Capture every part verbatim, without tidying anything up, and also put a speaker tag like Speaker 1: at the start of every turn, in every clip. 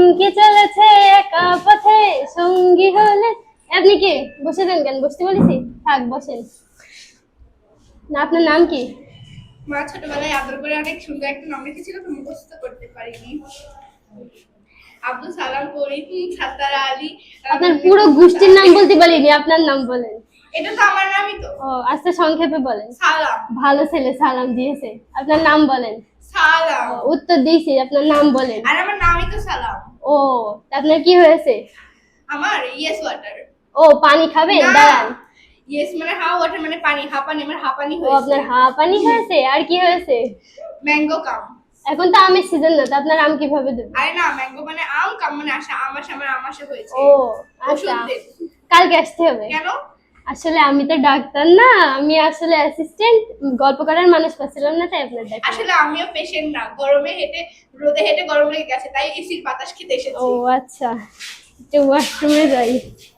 Speaker 1: থমকে চলেছে একা পথে সঙ্গী হলে। আপনি কি বসে দেন কেন? বসতে বলেছি, থাক বসেন না। আপনার নাম কি?
Speaker 2: মা ছোটবেলায় আদর করে অনেক সুন্দর একটা নাম রেখেছিল, তো মুখস্থ করতে পারিনি। আব্দুল সালাম ফরিদ সাত্তার আলী।
Speaker 1: আপনার পুরো গোষ্ঠীর নাম বলতে বলিনি, আপনার নাম বলেন।
Speaker 2: এটা তো আমার নামই তো।
Speaker 1: ও আচ্ছা, সংক্ষেপে বলেন।
Speaker 2: সালাম।
Speaker 1: ভালো ছেলে, সালাম দিয়েছে। আপনার নাম বলেন।
Speaker 2: সালাম।
Speaker 1: ও, উত্তর দিয়েছি, আপনার নাম বলেন।
Speaker 2: আর আমার নামই তো সালাম।
Speaker 1: ও, আপনার কি হয়েছে?
Speaker 2: আমার ইয়েস ওয়াটার।
Speaker 1: ও, পানি খাবেন? দাঁড়ান।
Speaker 2: ইয়েস মানে হা, ওয়াটার মানে পানি। হাঁপানি আমার হাঁপানি
Speaker 1: ও,
Speaker 2: হয়েছে।
Speaker 1: আপনার হাঁপানি হয়েছে। আর কি হয়েছে?
Speaker 2: ম্যাঙ্গো কাম।
Speaker 1: এখন তো আমের সিজন না, তো আপনার আম কিভাবে দেব?
Speaker 2: আরে না, ম্যাঙ্গো মানে আম, কাম মানে আশা। আমাশা মানে আমাশা হয়েছে।
Speaker 1: ও আচ্ছা, কালকে আসতে হবে।
Speaker 2: কেন?
Speaker 1: আসলে আমি তো ডাক্তার না, আমি আসলে অ্যাসিস্ট্যান্ট। গল্প করার মানুষ পাচ্ছিলাম না, তাই আপনার ডাক্তার।
Speaker 2: আসলে আমিও পেশেন্ট না, গরমে হেঁটে রোদে হেঁটে গরম লেগে গেছে, তাই এসির বাতাস খেতে এসেছি।
Speaker 1: ও আচ্ছা, একটু ওয়াশরুমে যাই।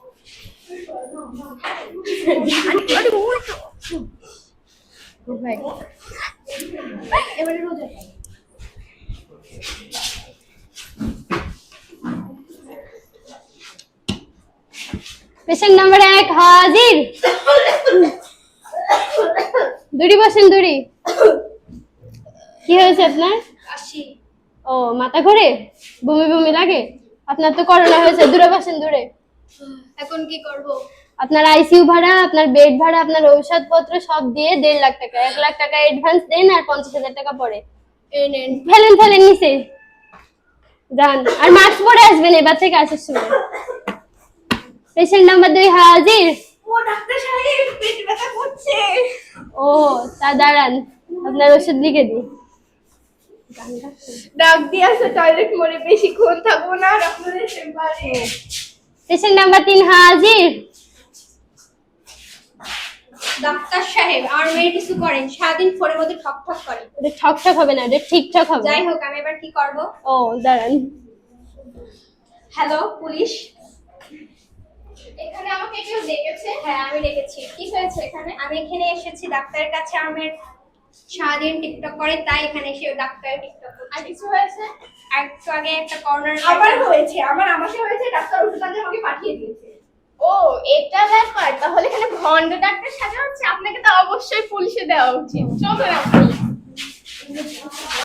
Speaker 2: এবারে রোদে
Speaker 1: পেশেন্ট নাম্বার এক হাজির। দূরি বসেন, দূরি। কি হয়েছে আপনার?
Speaker 2: আসি।
Speaker 1: ও, মাথা ঘুরে, বমি বমি লাগে? আপনার তো করোনা হয়েছে, দূরে বসেন, দূরে।
Speaker 2: এখন কি করব?
Speaker 1: আপনার আইসিইউ ভাড়া, আপনার বেড ভাড়া, আপনার ঔষধপত্র সব দিয়ে দেড় লাখ টাকা। এক লাখ টাকা অ্যাডভান্স দেন, আর পঞ্চাশ হাজার টাকা পরে
Speaker 2: এই নেন।
Speaker 1: ফেলেন, ফেলেন নিচে যান। আর মাস্ক পরে আসবেন এবার থেকে আসার সময়। পেশেন্ট নাম্বার দুই হাজির।
Speaker 2: ও ডাক্তার সাহেব, পেট ব্যথা করছে।
Speaker 1: ও তা দাঁড়ান, আপনার ওষুধ লিখে দিই।
Speaker 2: ডাক দিয়ে আসো, টয়লেট মোড়ে বেশিক্ষণ থাকবো না আর আপনাদের চেম্বারে।
Speaker 1: পেশেন্ট নাম্বার তিন হাজির।
Speaker 2: ডাক্তার সাহেব, আর মেয়ে কিছু করেন, সারাদিন ফোনের মধ্যে ঠক ঠক করে।
Speaker 1: এটা ঠক ঠক হবে না, এটা ঠিকঠাক হবে।
Speaker 2: যাই হোক, আমি এবার কি করব?
Speaker 1: ও দাঁড়ান।
Speaker 2: হ্যালো পুলিশ, এখানে আমাকে কেউ ডেকেছে? হ্যাঁ আমি ডেকেছি। কি হয়েছে এখানে? আমি এখানে এসেছি ডাক্তারের কাছে, আমার সারাদিন টিকটক করে, তাই এখানে এসে ডাক্তার টিকটক করছে। আর কিছু হয়েছে? আর একটু আগে একটা কর্নার আমার হয়েছে, আমার আমাকে হয়েছে, ডাক্তার ওষুধ আনতে আমাকে পাঠিয়ে দিয়েছে। ও এটা ব্যাপার, তাহলে এখানে ভন্ড ডাক্তার সাজা হচ্ছে। আপনাকে তো অবশ্যই পুলিশে দেওয়া উচিত। চলুন আপনি।